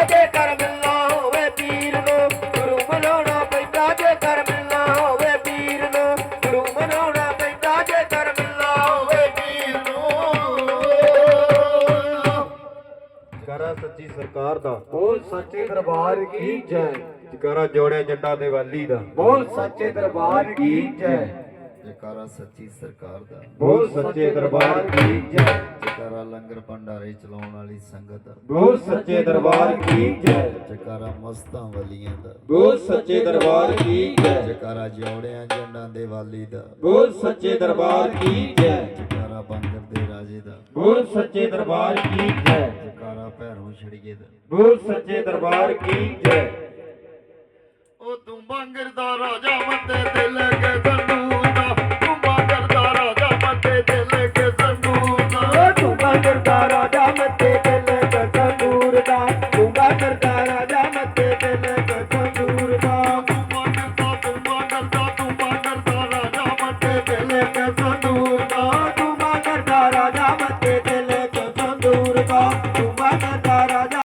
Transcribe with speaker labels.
Speaker 1: जे कर मिलना होवे पीर नो गुरु मनाउणा पैंदा जे कर मिलना होवे पीर नो गुरु मनाउणा पैंदा जे कर मिलना होवे पीर नो।
Speaker 2: जयकारा सच्ची सरकार दा
Speaker 3: बोल सच्चे दरबार की जय।
Speaker 2: जयकारा जोड़े जंडा दिवाली दा
Speaker 3: बोल सच्चे दरबार की जय।
Speaker 4: जयकारा सच्ची सरकार दा
Speaker 2: बोल सच्चे दरबार की जय।
Speaker 4: जयकारा लंगर भंडारे चलाउण वाली संगत दा
Speaker 2: बोल सच्चे दरबार की जय।
Speaker 4: जयकारा मस्तां वलियां दा
Speaker 2: बोल सच्चे दरबार की जय।
Speaker 4: जयकारा जोड़ियां जंडां दिवाली दा
Speaker 2: बोल सच्चे दरबार की जय।
Speaker 4: जयकारा बंगर दे राजे दा
Speaker 2: बोल सच्चे दरबार की जय।
Speaker 4: जयकारा भैरों छड़िए दा
Speaker 2: बोल सच्चे दरबार की जय।
Speaker 4: ओ तू बंगर दा राजा मते दिल के संदूर दा तू बंगर दा राजा मते दिल के संदूर दा
Speaker 1: दूंगा करता राजा मते दिल का संदूर दा दूंगा करता राजा मते दिल का संदूर दा
Speaker 4: तू बंगर दा राजा मते दिल के संदूर दा
Speaker 1: दूंगा करता राजा मते दिल